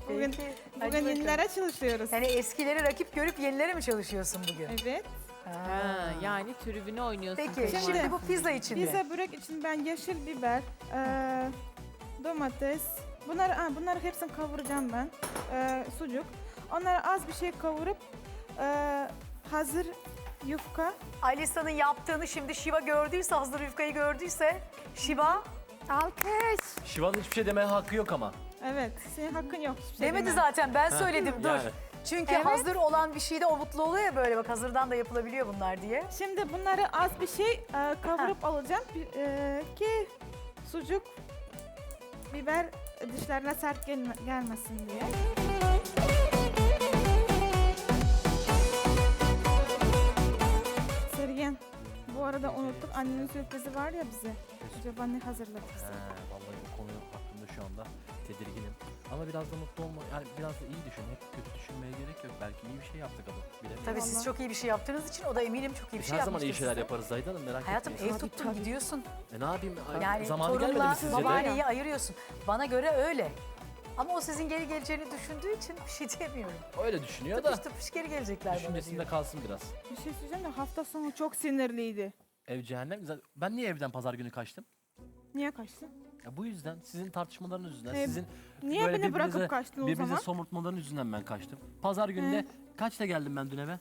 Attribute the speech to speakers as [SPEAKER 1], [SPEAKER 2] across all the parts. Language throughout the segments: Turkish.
[SPEAKER 1] Bugün
[SPEAKER 2] Hadi bakalım.
[SPEAKER 1] yenilere çalışıyoruz.
[SPEAKER 2] Yani eskileri rakip görüp yenilere mi çalışıyorsun bugün?
[SPEAKER 1] Evet.
[SPEAKER 3] Ha, yani tribüne oynuyorsun.
[SPEAKER 2] Peki
[SPEAKER 3] kayınvalide.
[SPEAKER 2] şimdi bu pizza için mi?
[SPEAKER 1] Pizza börek için ben yeşil biber, domates, bunları hepsini kavuracağım ben. Sucuk. Onları az bir şey kavurup hazır yufka.
[SPEAKER 2] Alisa'nın yaptığını şimdi Şiva gördüyse, hazır yufkayı gördüyse Şiva
[SPEAKER 3] Alkış.
[SPEAKER 4] Şiva'nın hiçbir şey demeye hakkı yok ama.
[SPEAKER 1] Evet, senin hakkın yok. Hiçbir şey
[SPEAKER 2] demedi
[SPEAKER 1] deme.
[SPEAKER 2] zaten ben söyledim dur.
[SPEAKER 4] Yani.
[SPEAKER 2] Çünkü hazır olan bir şeyde o mutlu oluyor ya böyle bak hazırdan da yapılabiliyor bunlar diye.
[SPEAKER 1] Şimdi bunları az bir şey kavurup alacağım ki sucuk, biber dişlerine sert gelmesin diye. Sergen, bu arada unuttuk. Annenin sürprizi var ya bize. Acaba ne hazırladı bize?
[SPEAKER 4] Vallahi bu konu hakkında şu anda tedirginim. Ama biraz da mutlu olma, yani biraz da iyi düşün. Hep kötü düşünmeye gerek yok. Belki iyi bir şey yaptık adam. Bilemiyorum.
[SPEAKER 2] Tabii siz
[SPEAKER 1] Vallahi.
[SPEAKER 2] çok iyi bir şey yaptığınız için o da eminim çok iyi bir
[SPEAKER 4] Biz
[SPEAKER 2] şey
[SPEAKER 4] her zaman
[SPEAKER 2] yapmıştır
[SPEAKER 4] iyi şeyler
[SPEAKER 2] size.
[SPEAKER 4] yaparız Zahide Hanım, merak
[SPEAKER 2] Hayatım
[SPEAKER 4] etmeyin.
[SPEAKER 2] ev tuttun gidiyorsun.
[SPEAKER 4] Ne yapayım?
[SPEAKER 2] Yani
[SPEAKER 4] Zamanı gelmedi mi
[SPEAKER 2] torunla
[SPEAKER 4] sizce de?
[SPEAKER 2] babaanneyi ayırıyorsun. Bana göre öyle. Ama o sizin geri geleceğini düşündüğü için bir şey diyemiyorum.
[SPEAKER 4] Öyle düşünüyor da.
[SPEAKER 2] Tıpış tıpış geri gelecekler bana
[SPEAKER 4] Düşüncesinde
[SPEAKER 2] diyor.
[SPEAKER 4] kalsın biraz.
[SPEAKER 1] Bir şey söyleyeceğim de hafta sonu çok sinirliydi.
[SPEAKER 4] Ev cehennem. Ben niye evden pazar günü kaçtım?
[SPEAKER 1] Niye kaçtın?
[SPEAKER 4] Ya bu yüzden, sizin tartışmalarınız yüzünden,
[SPEAKER 1] E,
[SPEAKER 4] sizin
[SPEAKER 1] niye
[SPEAKER 4] böyle
[SPEAKER 1] beni bırakıp
[SPEAKER 4] birbirinize-
[SPEAKER 1] kaçtın o
[SPEAKER 4] birbirinize
[SPEAKER 1] zaman?
[SPEAKER 4] somurtmaların yüzünden ben kaçtım. Pazar günü de kaçta geldim ben dün eve?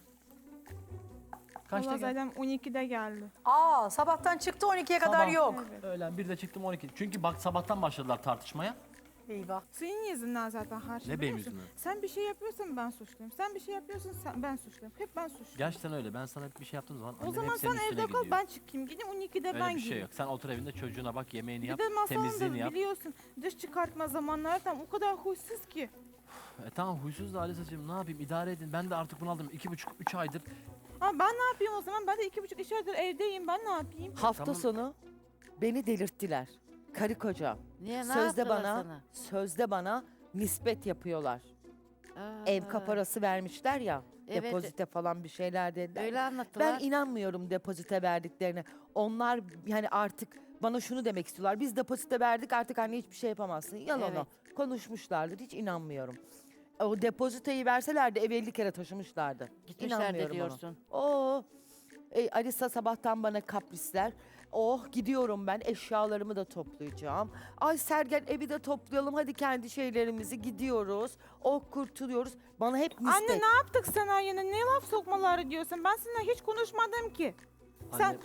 [SPEAKER 4] Kaçta
[SPEAKER 1] Allah
[SPEAKER 4] geldim?
[SPEAKER 1] zaten 12'de geldi.
[SPEAKER 2] Aa sabahtan çıktı 12'ye kadar
[SPEAKER 4] Sabah.
[SPEAKER 2] yok.
[SPEAKER 1] Evet.
[SPEAKER 4] Öğlen 1'de çıktım 12. Çünkü bak sabahtan başladılar tartışmaya.
[SPEAKER 2] Eyvah.
[SPEAKER 1] Senin yüzünden zaten her şey.
[SPEAKER 4] Ne benim
[SPEAKER 1] biliyor musun?
[SPEAKER 4] yüzümden?
[SPEAKER 1] Sen bir şey yapıyorsan ben suçluyum. Sen bir şey yapıyorsun ben suçluyum. Hep ben suçluyum.
[SPEAKER 4] Gerçekten öyle. Ben sana bir şey yaptığım zaman
[SPEAKER 1] O
[SPEAKER 4] annem
[SPEAKER 1] zaman
[SPEAKER 4] hep senin
[SPEAKER 1] sen
[SPEAKER 4] üstüne
[SPEAKER 1] evde kal
[SPEAKER 4] gidiyor.
[SPEAKER 1] ben çıkayım. Gidin 12'de
[SPEAKER 4] Öyle
[SPEAKER 1] ben
[SPEAKER 4] bir şey
[SPEAKER 1] gideyim.
[SPEAKER 4] yok. Sen otur evinde çocuğuna bak, yemeğini
[SPEAKER 1] Bir
[SPEAKER 4] yap,
[SPEAKER 1] de masalında
[SPEAKER 4] temizliğini yap.
[SPEAKER 1] biliyorsun dış çıkartma zamanları tam o kadar huysuz ki.
[SPEAKER 4] Tamam huysuz da Alisa'cığım ne yapayım, idare edin. Ben de artık bunaldım. 2,5-3 aydır.
[SPEAKER 1] Ama ben ne yapayım o zaman? Ben de 2,5 aydır evdeyim. Ben ne yapayım?
[SPEAKER 5] Hafta
[SPEAKER 4] Tamam.
[SPEAKER 5] sonu beni delirttiler. Karı koca.
[SPEAKER 3] Niye, ne
[SPEAKER 5] Sözde
[SPEAKER 3] yaptılar
[SPEAKER 5] bana,
[SPEAKER 3] sana?
[SPEAKER 5] sözde bana nispet yapıyorlar. Ev kaparası vermişler ya.
[SPEAKER 3] Evet.
[SPEAKER 5] Depozite falan bir şeyler dediler.
[SPEAKER 3] Öyle anlattılar.
[SPEAKER 5] Ben inanmıyorum depozite verdiklerine. Onlar yani artık bana şunu demek istiyorlar. Biz depozite verdik artık anne hiçbir şey yapamazsın. Yalan
[SPEAKER 3] Evet.
[SPEAKER 5] o. Konuşmuşlardır. Hiç inanmıyorum. O depoziteyi verselerdi ev 50 kere taşımışlardı.
[SPEAKER 3] Gitmişler de
[SPEAKER 5] İnanmıyorum ona.
[SPEAKER 3] diyorsun.
[SPEAKER 5] Oo. Alisa sabahtan bana kaprisler. Oh gidiyorum ben eşyalarımı da toplayacağım. Ay Sergen evi de toplayalım hadi kendi şeylerimizi gidiyoruz. Oh kurtuluyoruz. Bana hep nispet.
[SPEAKER 1] Anne ne yaptık sana yine? Ne laf sokmaları diyorsun? Ben seninle hiç konuşmadım ki.
[SPEAKER 4] Anne-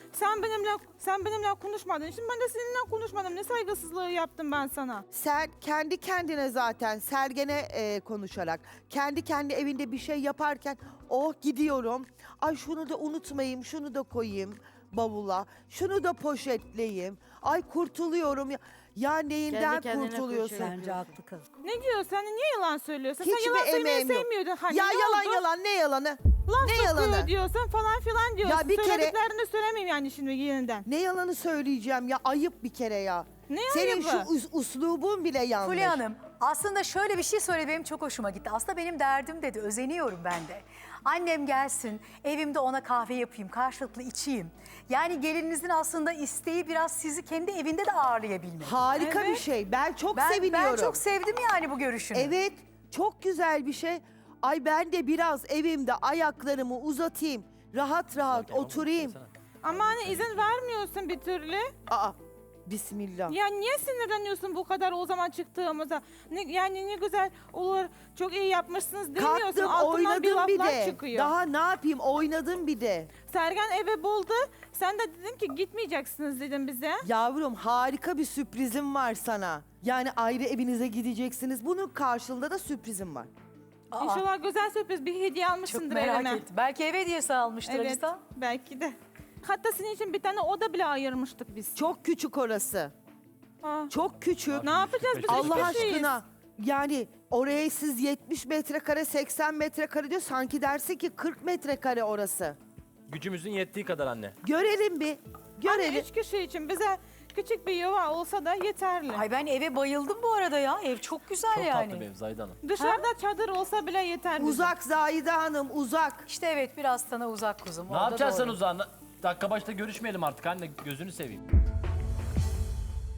[SPEAKER 1] Sen benimle konuşmadın. Şimdi ben de seninle konuşmadım. Ne saygısızlığı yaptım ben sana?
[SPEAKER 5] Sen kendi kendine zaten Sergen'e konuşarak kendi evinde bir şey yaparken oh gidiyorum. Ay şunu da unutmayayım, şunu da koyayım bavula. Şunu da poşetleyeyim. Ay kurtuluyorum ya. Ya neyinden
[SPEAKER 3] Kendi kendine
[SPEAKER 5] kurtuluyorsun?
[SPEAKER 3] kurtuluyor.
[SPEAKER 6] Bence haklı kız.
[SPEAKER 1] Ne diyorsun? Sen niye yalan söylüyorsun?
[SPEAKER 5] Hiçbir
[SPEAKER 1] Sen yalan söylemeyi
[SPEAKER 5] emeğim yok.
[SPEAKER 1] sevmiyordun. Hani
[SPEAKER 5] Ya
[SPEAKER 1] ne
[SPEAKER 5] yalan
[SPEAKER 1] oldu?
[SPEAKER 5] yalan ne yalanı?
[SPEAKER 1] Laf
[SPEAKER 5] ne
[SPEAKER 1] sokuyor
[SPEAKER 5] yalanı?
[SPEAKER 1] diyorsun falan filan diyorsun.
[SPEAKER 5] Ya bir kere-
[SPEAKER 1] Söylediklerini söylemeyeyim yani şimdi yeniden.
[SPEAKER 5] Ne yalanı söyleyeceğim ya ayıp bir kere ya.
[SPEAKER 1] Ne
[SPEAKER 5] Senin
[SPEAKER 1] ayıbı?
[SPEAKER 5] şu uslubun bile yanlış.
[SPEAKER 2] Fulya Hanım aslında şöyle bir şey söyledi benim çok hoşuma gitti. Aslında benim derdim dedi özeniyorum ben de. Annem gelsin evimde ona kahve yapayım karşılıklı içeyim. Yani gelininizin aslında isteği biraz sizi kendi evinde de ağırlayabilmek.
[SPEAKER 5] Harika bir
[SPEAKER 1] Evet.
[SPEAKER 5] şey. Ben çok
[SPEAKER 2] Ben
[SPEAKER 5] seviniyorum.
[SPEAKER 2] çok sevdim yani bu görüşünü.
[SPEAKER 5] Evet, çok güzel bir şey. Ay ben de biraz evimde ayaklarımı uzatayım. Rahat rahat oturayım.
[SPEAKER 1] Ama hani izin vermiyorsun bir türlü.
[SPEAKER 5] Aa, bismillah.
[SPEAKER 1] Ya niye sinirleniyorsun bu kadar o zaman çıktığımıza? Yani ne güzel olur, çok iyi yapmışsınız demiyorsun.
[SPEAKER 5] Kalktım
[SPEAKER 1] Altından bir
[SPEAKER 5] oynadım bir
[SPEAKER 1] laflar
[SPEAKER 5] de.
[SPEAKER 1] çıkıyor.
[SPEAKER 5] Daha ne yapayım oynadım bir de.
[SPEAKER 1] Sergen eve buldu. Sen de dedin ki gitmeyeceksiniz dedim bize.
[SPEAKER 5] Yavrum harika bir sürprizim var sana. Yani ayrı evinize gideceksiniz. Bunun karşılığında da sürprizim var.
[SPEAKER 2] Aa,
[SPEAKER 1] İnşallah güzel sürpriz bir hediye
[SPEAKER 2] çok
[SPEAKER 1] almışsındır
[SPEAKER 2] merak
[SPEAKER 1] evime.
[SPEAKER 2] ettim. Belki eve hediyesi almıştır
[SPEAKER 1] Evet,
[SPEAKER 2] Alisa.
[SPEAKER 1] belki de. Hatta senin için bir tane oda bile ayırmıştık biz.
[SPEAKER 5] Çok küçük orası.
[SPEAKER 1] Aa,
[SPEAKER 5] Çok küçük.
[SPEAKER 1] ne yapacağız biz?
[SPEAKER 5] Allah
[SPEAKER 1] Üç kişiyiz.
[SPEAKER 5] aşkına. Yani oraya siz 70 metrekare 80 metrekare diyor. Sanki dersin ki 40 metrekare orası.
[SPEAKER 4] Gücümüzün yettiği kadar anne.
[SPEAKER 5] Görelim bir. Görelim.
[SPEAKER 1] Anne 3 kişi için bize küçük bir yuva olsa da yeterli.
[SPEAKER 2] Ay ben eve bayıldım bu arada ya. Ev çok güzel
[SPEAKER 4] Çok
[SPEAKER 2] yani.
[SPEAKER 4] tatlı bir ev Zahide Hanım.
[SPEAKER 1] Dışarıda çadır olsa bile yeter bize.
[SPEAKER 5] Uzak Zahide Hanım uzak.
[SPEAKER 2] İşte evet biraz sana uzak kuzum.
[SPEAKER 4] Ne
[SPEAKER 2] orada
[SPEAKER 4] yapacaksın sen
[SPEAKER 2] doğru.
[SPEAKER 4] uzağına? Dakika başta görüşmeyelim artık anne, gözünü seveyim.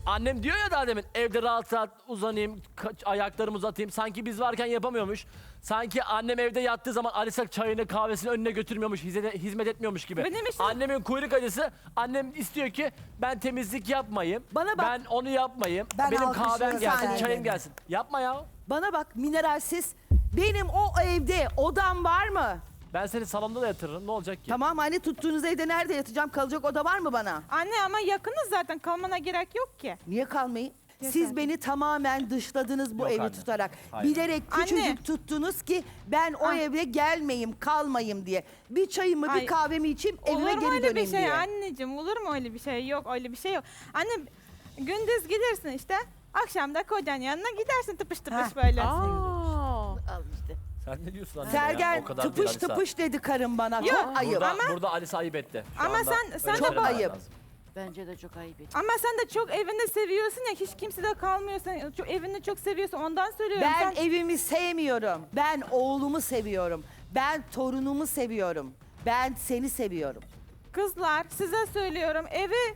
[SPEAKER 4] Annem diyor ya daha demin evde rahat rahat uzanayım, ayaklarımı uzatayım. Sanki biz varken yapamıyormuş. Sanki annem evde yattığı zaman Alisa çayını kahvesini önüne götürmüyormuş, hizmet etmiyormuş gibi.
[SPEAKER 1] Benim işim-
[SPEAKER 4] Annemin kuyruk acısı, annem istiyor ki ben temizlik yapmayayım.
[SPEAKER 5] Bana bak.
[SPEAKER 4] Ben onu yapmayayım.
[SPEAKER 5] Ben
[SPEAKER 4] Benim
[SPEAKER 5] alkışlıyorum
[SPEAKER 4] kahvem gelsin,
[SPEAKER 5] Sergen'i.
[SPEAKER 4] çayım gelsin. Yapma ya.
[SPEAKER 5] Bana bak mineralsiz. Benim o evde odam var mı?
[SPEAKER 4] Ben seni salonda da yatırırım. Ne olacak ki?
[SPEAKER 5] Tamam anne tuttuğunuz evde nerede yatacağım? Kalacak oda var mı bana?
[SPEAKER 1] Anne ama yakınız zaten kalmana gerek yok ki.
[SPEAKER 5] Niye kalmayayım? Siz beni tamamen dışladınız bu
[SPEAKER 4] Yok
[SPEAKER 5] evi
[SPEAKER 4] anne.
[SPEAKER 5] tutarak.
[SPEAKER 4] Hayır.
[SPEAKER 5] Bilerek küçücük tuttunuz ki ben o eve gelmeyeyim, kalmayayım diye. Bir çayımı,
[SPEAKER 1] Ay,
[SPEAKER 5] bir kahvemi içeyim, evime
[SPEAKER 1] Olur mu
[SPEAKER 5] geri
[SPEAKER 1] öyle bir
[SPEAKER 5] döneyim
[SPEAKER 1] şey
[SPEAKER 5] diye.
[SPEAKER 1] anneciğim? Olur mu öyle bir şey? Yok öyle bir şey yok. Anne gündüz gidersin işte. Akşam da kocanın yanına gidersin tıpış tıpış böyle.
[SPEAKER 3] Aa.
[SPEAKER 6] Al işte.
[SPEAKER 4] Sen ne diyorsun anne?
[SPEAKER 5] Sergen
[SPEAKER 4] ya? O kadar değil
[SPEAKER 5] tıpış
[SPEAKER 4] Alisa.
[SPEAKER 5] tıpış dedi karım bana.
[SPEAKER 1] Yok,
[SPEAKER 5] Çok ayıp.
[SPEAKER 4] Burada Alisa ayıp etti. Şu
[SPEAKER 1] Ama
[SPEAKER 4] anda
[SPEAKER 1] sen- sen
[SPEAKER 4] öyle
[SPEAKER 1] de
[SPEAKER 4] söylemen
[SPEAKER 5] ayıp.
[SPEAKER 4] lazım.
[SPEAKER 6] Bence de çok ayıp.
[SPEAKER 1] Ama sen de çok evinde seviyorsun ya, hiç kimse de kalmıyorsun. Çok evini çok seviyorsun, ondan söylüyorum.
[SPEAKER 5] Ben
[SPEAKER 1] Sen-
[SPEAKER 5] evimi sevmiyorum. Ben oğlumu seviyorum. Ben torunumu seviyorum. Ben seni seviyorum.
[SPEAKER 1] Kızlar size söylüyorum, evi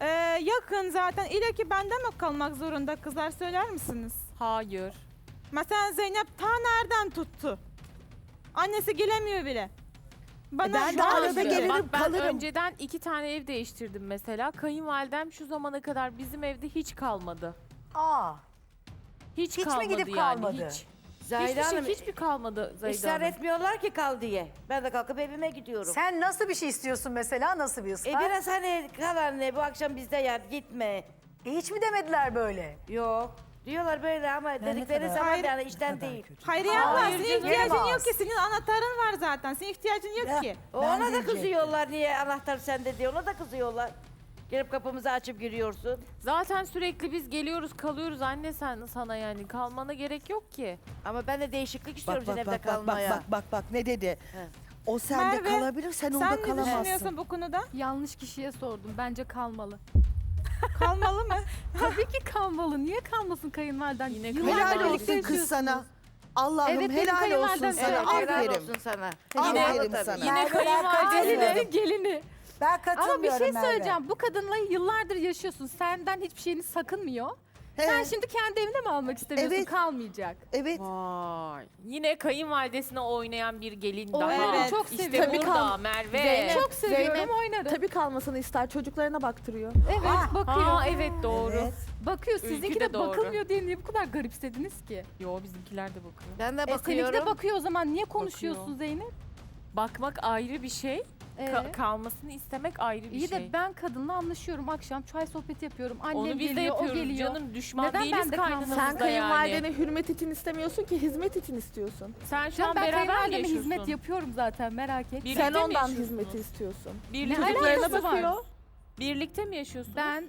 [SPEAKER 1] yakın zaten. İle ki bende mi kalmak zorunda, kızlar söyler misiniz?
[SPEAKER 3] Hayır.
[SPEAKER 1] Mesela Zeynep ta nereden tuttu? Annesi gelemiyor bile. Bana
[SPEAKER 5] ben de
[SPEAKER 1] şu an-
[SPEAKER 5] arada
[SPEAKER 3] Şöyle,
[SPEAKER 5] gelirim,
[SPEAKER 3] bak ben
[SPEAKER 5] kalırım.
[SPEAKER 3] önceden 2 tane ev değiştirdim mesela. Kayınvalidem şu zamana kadar bizim evde hiç kalmadı.
[SPEAKER 2] Aa,
[SPEAKER 3] Hiç,
[SPEAKER 2] Hiç mi
[SPEAKER 3] kalmadı
[SPEAKER 2] gidip
[SPEAKER 3] yani
[SPEAKER 2] kalmadı?
[SPEAKER 3] hiç.
[SPEAKER 6] Zahide Hanım
[SPEAKER 3] Hiçbir kalmadı Zahide
[SPEAKER 6] ısrar
[SPEAKER 3] Hanım.
[SPEAKER 6] etmiyorlar ki kal diye. Ben de kalkıp evime gidiyorum.
[SPEAKER 2] sen nasıl bir şey istiyorsun mesela? Nasıl bir ısrar?
[SPEAKER 6] Biraz hani kal anne bu akşam bizde yat gitme.
[SPEAKER 2] Hiç mi demediler böyle?
[SPEAKER 6] Yok. Diyorlar böyle ama dedikleri
[SPEAKER 2] kadar-
[SPEAKER 6] zaman
[SPEAKER 1] Hayır.
[SPEAKER 6] yani işten değil.
[SPEAKER 1] Hayriye abla,
[SPEAKER 3] Hayır
[SPEAKER 1] senin
[SPEAKER 3] canım.
[SPEAKER 1] ihtiyacın yok
[SPEAKER 2] Gelemez.
[SPEAKER 1] ki. Senin anahtarın var zaten. Senin ihtiyacın yok ki.
[SPEAKER 6] Ona da kızıyorlar niye anahtar sende diye ona da kızıyorlar. Gelip kapımızı açıp giriyorsun.
[SPEAKER 3] Zaten sürekli biz geliyoruz kalıyoruz anne sen sana yani. Kalmana gerek yok ki.
[SPEAKER 6] Ama ben de değişiklik
[SPEAKER 5] Bak
[SPEAKER 6] istiyorum
[SPEAKER 5] bak
[SPEAKER 6] senin
[SPEAKER 5] bak
[SPEAKER 6] evde
[SPEAKER 5] bak
[SPEAKER 6] kalmaya.
[SPEAKER 5] bak ne dedi?
[SPEAKER 6] He.
[SPEAKER 5] O sende
[SPEAKER 1] Merve,
[SPEAKER 5] kalabilir, sen onda
[SPEAKER 1] Sen ne
[SPEAKER 5] kalamazsın.
[SPEAKER 1] düşünüyorsun bu konuda?
[SPEAKER 7] Yanlış kişiye sordum. Bence kalmalı.
[SPEAKER 1] Kalmalı mı?
[SPEAKER 7] Tabii ki kalmalı. Niye kalmasın kayınvaliden?
[SPEAKER 3] Yine
[SPEAKER 7] Yıllardır
[SPEAKER 5] Helal
[SPEAKER 7] birlikte
[SPEAKER 5] olsun kız
[SPEAKER 7] yaşıyorsunuz.
[SPEAKER 5] sana. Allah'ım
[SPEAKER 7] Evet, benim
[SPEAKER 5] helal olsun
[SPEAKER 7] kayınvalidem
[SPEAKER 5] sana.
[SPEAKER 7] öyle.
[SPEAKER 6] Evet, helal
[SPEAKER 5] Aferin.
[SPEAKER 6] olsun sana.
[SPEAKER 5] Aferin
[SPEAKER 6] Tabii.
[SPEAKER 5] sana.
[SPEAKER 3] Yine
[SPEAKER 2] Merve, ben
[SPEAKER 3] kayınvalide
[SPEAKER 7] Gelini, gelini.
[SPEAKER 2] Ben
[SPEAKER 7] Ama bir
[SPEAKER 2] katılmıyorum
[SPEAKER 7] şey
[SPEAKER 2] Merve.
[SPEAKER 7] söyleyeceğim. Bu kadınla yıllardır yaşıyorsun. Senden hiçbir şeyini sakınmıyor. Sen
[SPEAKER 5] He,
[SPEAKER 7] şimdi kendi evine mi almak istemiyorsun?
[SPEAKER 5] Evet.
[SPEAKER 7] Kalmayacak.
[SPEAKER 5] evet.
[SPEAKER 3] Vay. Yine kayınvalidesine oynayan bir gelin
[SPEAKER 7] O
[SPEAKER 3] daha.
[SPEAKER 1] evet.
[SPEAKER 7] çok
[SPEAKER 3] İşte
[SPEAKER 7] seviyorum.
[SPEAKER 3] burada Merve.
[SPEAKER 8] Zeynep.
[SPEAKER 7] Çok seviyorum,
[SPEAKER 8] Zeynep,
[SPEAKER 7] oynarım.
[SPEAKER 8] Tabii kalmasını ister. Çocuklarına baktırıyor.
[SPEAKER 7] Evet, bakıyor.
[SPEAKER 3] Aa evet doğru.
[SPEAKER 5] Evet.
[SPEAKER 7] Bakıyor.
[SPEAKER 3] Ülkü
[SPEAKER 7] Sizinki
[SPEAKER 3] de
[SPEAKER 7] de
[SPEAKER 3] doğru.
[SPEAKER 7] bakılmıyor diye niye bu kadar garipsediniz ki?
[SPEAKER 3] Yo bizimkiler de bakıyor.
[SPEAKER 6] Ben de
[SPEAKER 7] Seninki
[SPEAKER 6] bakıyorum.
[SPEAKER 7] de bakıyor o zaman. Niye konuşuyorsun
[SPEAKER 3] Bakıyor.
[SPEAKER 7] Zeynep?
[SPEAKER 3] Bakmak ayrı bir şey. Kalmasını istemek ayrı bir
[SPEAKER 7] İyi
[SPEAKER 3] şey.
[SPEAKER 7] de ben kadınla anlaşıyorum. Akşam çay sohbeti yapıyorum. Annem
[SPEAKER 3] Onu biz de
[SPEAKER 7] geliyor, o
[SPEAKER 3] yapıyoruz
[SPEAKER 7] geliyor.
[SPEAKER 3] canım. Düşman
[SPEAKER 7] Neden
[SPEAKER 3] değiliz
[SPEAKER 7] ben de kalmasın?
[SPEAKER 8] Sen
[SPEAKER 3] kaynanamızda yani.
[SPEAKER 8] kayınvalidene hürmet için istemiyorsun ki hizmet için istiyorsun.
[SPEAKER 3] Sen şu
[SPEAKER 7] Canım
[SPEAKER 3] an
[SPEAKER 7] ben
[SPEAKER 3] beraber mi
[SPEAKER 7] kayınvalideme
[SPEAKER 3] yaşıyorsun?
[SPEAKER 7] hizmet yapıyorum zaten, merak etme.
[SPEAKER 3] Birlikte
[SPEAKER 8] Sen
[SPEAKER 3] mi
[SPEAKER 8] ondan
[SPEAKER 3] yaşıyorsunuz?
[SPEAKER 8] hizmeti istiyorsun.
[SPEAKER 3] Birlikte,
[SPEAKER 7] Ne
[SPEAKER 3] mi
[SPEAKER 8] Çocuklarına
[SPEAKER 7] alakası var?
[SPEAKER 8] bakıyor.
[SPEAKER 3] Birlikte mi yaşıyorsunuz?
[SPEAKER 7] Ben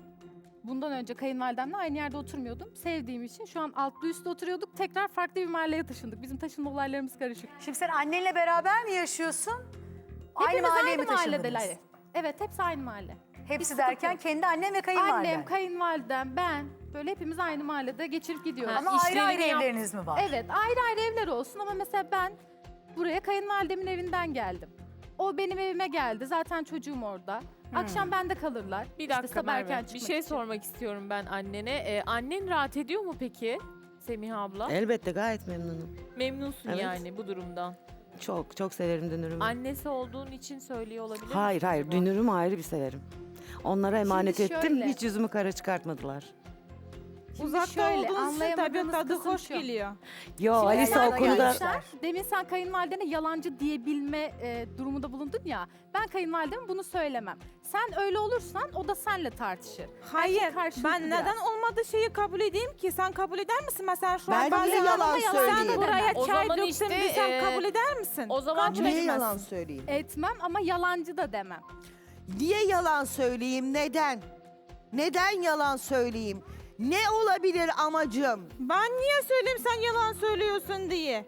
[SPEAKER 7] bundan önce kayınvalidemle aynı yerde oturmuyordum. Sevdiğim için şu an altlı üstte oturuyorduk. Tekrar farklı bir mahalleye taşındık. Bizim taşınma olaylarımız karışık.
[SPEAKER 2] Şimdi sen annenle beraber mi yaşıyorsun? Aynı
[SPEAKER 7] Hepimiz
[SPEAKER 2] mahalleye mi
[SPEAKER 7] aynı
[SPEAKER 2] taşındınız?
[SPEAKER 7] mahalledeler. Evet, hepsi aynı mahalle.
[SPEAKER 2] Hepsi derken kendi annen ve kayınvaliden.
[SPEAKER 7] Annem, kayınvalidem, ben böyle hepimiz aynı mahallede geçirip gidiyoruz.
[SPEAKER 3] Ha,
[SPEAKER 2] Ama ayrı ayrı
[SPEAKER 3] işlerini yap-
[SPEAKER 2] evleriniz mi var?
[SPEAKER 7] Evet, ayrı ayrı evler olsun ama mesela ben buraya kayınvalidemin evinden geldim. O benim evime geldi. Zaten çocuğum orada. Akşam bende kalırlar.
[SPEAKER 3] Bir
[SPEAKER 7] İşte
[SPEAKER 3] dakika
[SPEAKER 7] sabah erken
[SPEAKER 3] Merve. Bir
[SPEAKER 7] çıkmak
[SPEAKER 3] şey
[SPEAKER 7] için.
[SPEAKER 3] sormak istiyorum ben annene. Annen rahat ediyor mu peki Semiha abla?
[SPEAKER 9] Elbette gayet memnunum.
[SPEAKER 3] Memnunsun
[SPEAKER 9] Evet.
[SPEAKER 3] yani bu durumdan.
[SPEAKER 9] Çok çok severim dünürümü.
[SPEAKER 3] Annesi olduğun için söylüyor olabilir misin
[SPEAKER 9] Hayır hayır
[SPEAKER 3] acaba?
[SPEAKER 9] dünürümü ayrı bir severim. Onlara emanet
[SPEAKER 7] Şimdi
[SPEAKER 9] ettim
[SPEAKER 7] şöyle.
[SPEAKER 9] hiç yüzümü kara çıkartmadılar.
[SPEAKER 7] Şimdi
[SPEAKER 1] Uzakta
[SPEAKER 7] şöyle,
[SPEAKER 1] olduğunuz için tabii
[SPEAKER 7] anlayamadığınız
[SPEAKER 1] tadı
[SPEAKER 7] kısım
[SPEAKER 1] hoş
[SPEAKER 7] şu.
[SPEAKER 1] geliyor.
[SPEAKER 9] Yo
[SPEAKER 7] Şimdi
[SPEAKER 9] Alisa
[SPEAKER 7] sen
[SPEAKER 9] o konuda
[SPEAKER 7] gelmişler, demin sen kayınvalidene yalancı diyebilme durumunda bulundun ya. Ben kayınvalideme bunu söylemem. Sen öyle olursan o da senle tartışır.
[SPEAKER 1] Hayır,
[SPEAKER 7] karşılıklı
[SPEAKER 1] ben neden
[SPEAKER 7] biraz.
[SPEAKER 1] olmadığı şeyi kabul edeyim ki? Sen kabul eder misin? Mesela şu
[SPEAKER 5] Ben
[SPEAKER 1] an
[SPEAKER 5] niye
[SPEAKER 1] bazen
[SPEAKER 5] yalan
[SPEAKER 1] sen
[SPEAKER 5] söyleyeyim?
[SPEAKER 1] buraya
[SPEAKER 3] O
[SPEAKER 1] çay
[SPEAKER 3] zaman
[SPEAKER 1] döktün,
[SPEAKER 3] işte,
[SPEAKER 1] bir sen kabul eder misin?
[SPEAKER 3] O zaman
[SPEAKER 1] Kabul
[SPEAKER 5] Niye
[SPEAKER 1] etmezsin.
[SPEAKER 5] yalan söyleyeyim?
[SPEAKER 7] Etmem ama yalancı da demem.
[SPEAKER 5] Niye yalan söyleyeyim? Neden? Neden yalan söyleyeyim? Ne olabilir amacım?
[SPEAKER 1] Ben niye söyleyeyim sen yalan söylüyorsun diye?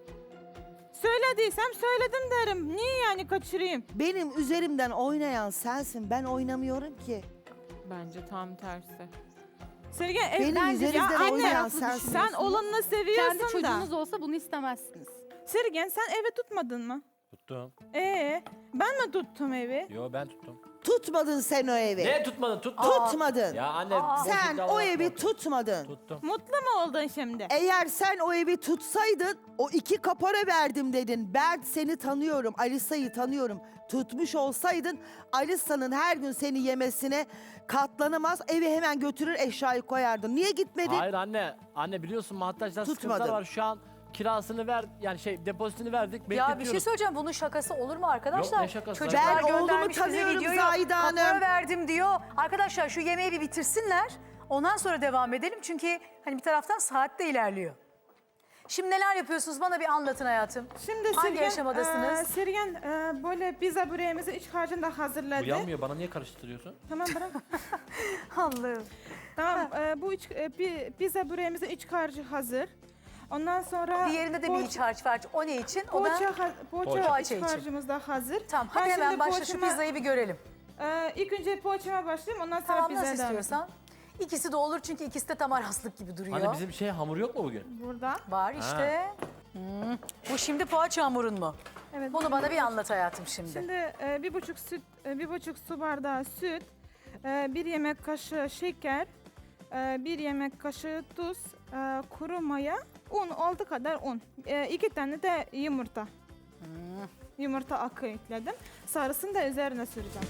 [SPEAKER 1] Söylediysem söyledim derim. Niye yani kaçırayım?
[SPEAKER 5] Benim üzerimden oynayan sensin. Ben oynamıyorum ki.
[SPEAKER 3] Bence tam tersi.
[SPEAKER 1] Sergen
[SPEAKER 5] Benim
[SPEAKER 1] ya
[SPEAKER 5] üzerimden
[SPEAKER 1] anne,
[SPEAKER 5] oynayan
[SPEAKER 7] sen
[SPEAKER 5] sensin.
[SPEAKER 1] sen olanını
[SPEAKER 7] Kendi
[SPEAKER 1] seviyorsun da.
[SPEAKER 7] çocuğunuz olsa bunu istemezsiniz.
[SPEAKER 1] Sergen sen evi tutmadın mı?
[SPEAKER 4] Tuttum.
[SPEAKER 1] Ben mi tuttum evi?
[SPEAKER 4] Yo ben tuttum.
[SPEAKER 5] Tutmadın sen o evi.
[SPEAKER 4] Ne tutmadın? Tuttum.
[SPEAKER 5] Tutmadın.
[SPEAKER 4] Ya anne.
[SPEAKER 5] Sen
[SPEAKER 4] boşlukta
[SPEAKER 5] o
[SPEAKER 4] var.
[SPEAKER 5] evi tutmadın.
[SPEAKER 4] Tuttum.
[SPEAKER 1] Mutlu mu oldun şimdi?
[SPEAKER 5] Eğer sen o evi tutsaydın, o 2 kapora verdim dedin. Ben seni tanıyorum, Alisa'yı tanıyorum. Tutmuş olsaydın, Alisa'nın her gün seni yemesine katlanamaz. Evi hemen götürür eşyayı koyardın. Niye gitmedin?
[SPEAKER 4] Hayır anne. Anne biliyorsun Mahtaç'ta sıkıntılar
[SPEAKER 5] Tutmadın.
[SPEAKER 4] var. Şu an kirasını ver, yani depozitini verdik.
[SPEAKER 2] Ya bir şey
[SPEAKER 4] bekletiyoruz.
[SPEAKER 2] söyleyeceğim, bunun şakası olur mu arkadaşlar?
[SPEAKER 4] Yok, ne şakası?
[SPEAKER 2] Çocuklar
[SPEAKER 5] Ben oğlumu
[SPEAKER 2] göndermiş bize
[SPEAKER 5] tanıyorum
[SPEAKER 2] videoyu,
[SPEAKER 5] Zahide
[SPEAKER 2] kapora
[SPEAKER 5] Hanım.
[SPEAKER 2] verdim diyor. Arkadaşlar şu yemeği bir bitirsinler. Ondan sonra devam edelim çünkü hani bir taraftan saat de ilerliyor. Şimdi neler yapıyorsunuz bana bir anlatın hayatım.
[SPEAKER 1] Şimdi
[SPEAKER 2] Hangi aşamadasınız?
[SPEAKER 1] Sergen böyle pizza böreğimizi iç harcında hazırladı.
[SPEAKER 4] Bu yanmıyor. Bana niye karıştırıyorsun?
[SPEAKER 1] Tamam bırak.
[SPEAKER 2] Allah'ım.
[SPEAKER 1] Tamam bu pizza böreğimizin iç harcı hazır. Ondan sonra
[SPEAKER 2] Diğerinde de bir iç harç var. O ne için? O da
[SPEAKER 1] poğaça
[SPEAKER 2] için.
[SPEAKER 1] iç harcımız da hazır.
[SPEAKER 2] tamam. Hadi
[SPEAKER 1] Ben
[SPEAKER 2] hemen
[SPEAKER 1] şimdi
[SPEAKER 2] başla şu pizzayı bir görelim.
[SPEAKER 1] İlk önce poğaçama başlayayım ondan sonra
[SPEAKER 2] Tamam
[SPEAKER 1] pizzaya
[SPEAKER 2] nasıl
[SPEAKER 1] devam edeyim.
[SPEAKER 2] istiyorsan. İkisi de olur çünkü ikisi de tam araslık gibi duruyor.
[SPEAKER 4] Anne bizim hamur yok mu bugün?
[SPEAKER 1] Burada.
[SPEAKER 2] Var işte. Bu şimdi poğaça hamurun mu?
[SPEAKER 1] Evet.
[SPEAKER 2] Bunu bana bir anlat hayatım şimdi.
[SPEAKER 1] Şimdi bir buçuk su bardağı süt, 1 yemek kaşığı şeker, 1 yemek kaşığı tuz, kuru maya, un olduğu kadar un. 2 tane de yumurta. Yumurta akı ekledim. Sarısını da üzerine süreceğim.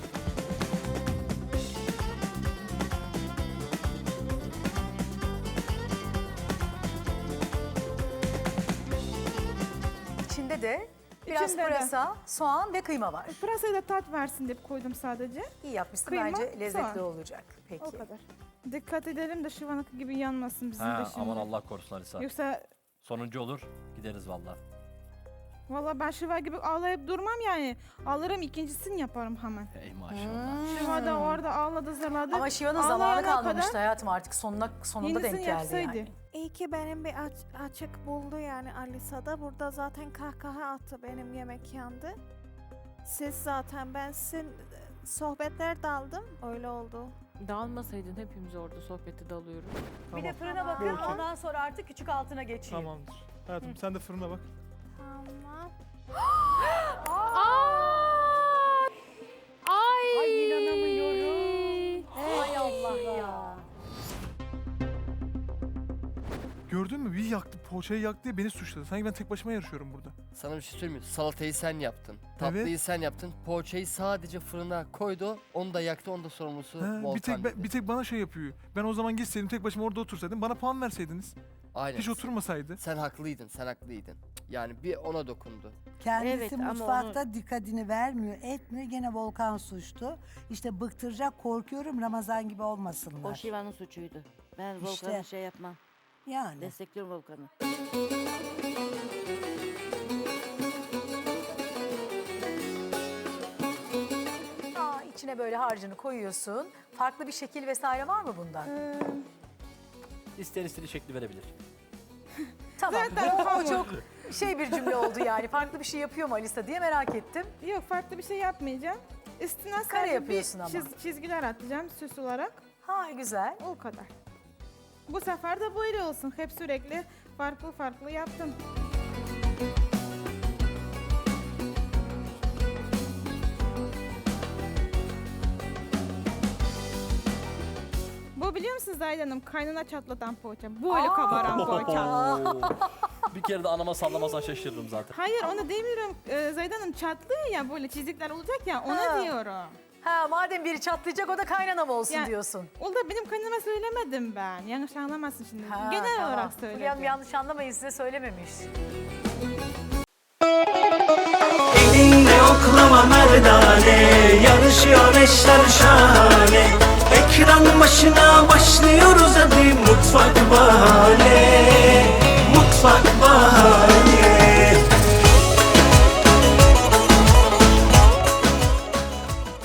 [SPEAKER 2] İçinde de biraz
[SPEAKER 1] İçinde de.
[SPEAKER 2] pırasa, soğan ve kıyma var.
[SPEAKER 1] Pırasayı da tat versin diye koydum sadece.
[SPEAKER 2] İyi yapmışsın
[SPEAKER 1] Kıyma,
[SPEAKER 2] bence lezzetli
[SPEAKER 1] soğan.
[SPEAKER 2] olacak. Peki.
[SPEAKER 1] O kadar. Dikkat edelim de şivanık gibi yanmasın bizim de
[SPEAKER 4] Ha,
[SPEAKER 1] şimdi.
[SPEAKER 4] aman Allah korusun Alisa.
[SPEAKER 1] Yoksa
[SPEAKER 4] Sonuncu olur. Gideriz vallahi.
[SPEAKER 1] valla ben şiva gibi ağlayıp durmam yani. Alırım ikincisini yaparım hemen.
[SPEAKER 4] Ey maşallah.
[SPEAKER 1] Şiva da orada ağladı zırladı.
[SPEAKER 2] Ama Şiva'nın
[SPEAKER 1] Ağlayana
[SPEAKER 2] zamanı
[SPEAKER 1] kadar
[SPEAKER 2] kalmamıştı hayatım artık sonunda
[SPEAKER 1] yenisini
[SPEAKER 2] denk geldi
[SPEAKER 1] yapsaydı.
[SPEAKER 2] yani.
[SPEAKER 10] İyi ki benim bir açık buldu yani Alisa'da. Burada zaten kahkaha attı benim yemek yandı. Siz zaten ben sizin sohbetler daldım. Öyle oldu.
[SPEAKER 3] Dağılmasaydın hepimiz orada sohbeti dalıyoruz.
[SPEAKER 2] Bir de fırına bakın ondan sonra artık küçük altına geçeyim.
[SPEAKER 11] Tamamdır. Hayatım sen de fırına bak.
[SPEAKER 10] Tamam.
[SPEAKER 2] Ay inanamıyorum. Ay Allah ya.
[SPEAKER 11] Gördün mü? Bir yaktı, poğaçayı yaktı diye beni suçladı. Sanki ben tek başıma yarışıyorum burada.
[SPEAKER 12] Sana bir şey söyleyeyim mi? Salatayı sen yaptın. Tatlıyı sen yaptın. Poğaçayı sadece fırına koydu. Onu da yaktı. Onun da sorumlusu
[SPEAKER 11] Ha,
[SPEAKER 12] Volkan dedi.
[SPEAKER 11] bir tek bana şey yapıyor. Ben o zaman gitseydim tek başıma orada otursaydım bana puan verseydiniz.
[SPEAKER 12] Aynen.
[SPEAKER 11] Hiç oturmasaydı.
[SPEAKER 12] Sen haklıydın. Sen haklıydın. Yani bir ona dokundu.
[SPEAKER 13] Kendisi
[SPEAKER 6] Evet, ama
[SPEAKER 13] mutfakta dikkatini vermiyor, etmiyor. Gene Volkan suçlu. İşte bıktıracak, korkuyorum Ramazan gibi olmasınlar.
[SPEAKER 6] O Şiva'nın suçuydu. Ben
[SPEAKER 13] İşte.
[SPEAKER 6] Volkan'ı şey yapmam.
[SPEAKER 13] Yani.
[SPEAKER 6] Destekliyorum Volkan'ı.
[SPEAKER 2] İçine böyle harcını koyuyorsun. Farklı bir şekil vesaire var mı bundan?
[SPEAKER 4] İsteyen istediği şekli verebilir.
[SPEAKER 2] Tamam.
[SPEAKER 1] zaten
[SPEAKER 2] O
[SPEAKER 1] hamur.
[SPEAKER 2] çok şey bir cümle oldu yani. Farklı bir şey yapıyor mu Alisa diye merak ettim.
[SPEAKER 1] Yok farklı bir şey yapmayacağım. Üstüne
[SPEAKER 2] Kare
[SPEAKER 1] sadece
[SPEAKER 2] yapıyorsun
[SPEAKER 1] bir
[SPEAKER 2] ama.
[SPEAKER 1] çizgiler atacağım süs olarak.
[SPEAKER 2] Ha güzel.
[SPEAKER 1] O kadar. Bu sefer de böyle olsun. Hep sürekli farklı farklı yaptım. Bu biliyor musunuz Zahide Hanım? Kaynana çatlatan poğaça. Böyle kabaran poğaça.
[SPEAKER 4] Bir kere de anama sallamasan şaşırırım zaten.
[SPEAKER 1] Hayır onu demiyorum. Zahide Hanım çatlıyor ya böyle çizikler olacak ya ona
[SPEAKER 2] Ha.
[SPEAKER 1] diyorum.
[SPEAKER 2] Ha madem biri çatlayacak o da kaynanam olsun
[SPEAKER 1] Ya-
[SPEAKER 2] diyorsun.
[SPEAKER 1] O da benim kaynanama söylemedim ben. Yanlış anlamazsın şimdi.
[SPEAKER 2] Ha,
[SPEAKER 1] Genel
[SPEAKER 2] tamam.
[SPEAKER 1] olarak
[SPEAKER 2] Fulya Hanım
[SPEAKER 1] söyledim.
[SPEAKER 2] yanlış anlamayın size söylememiş.
[SPEAKER 14] Elinle oklama merdane, yarışıyor eşler şahane. Ekran başına başlıyor.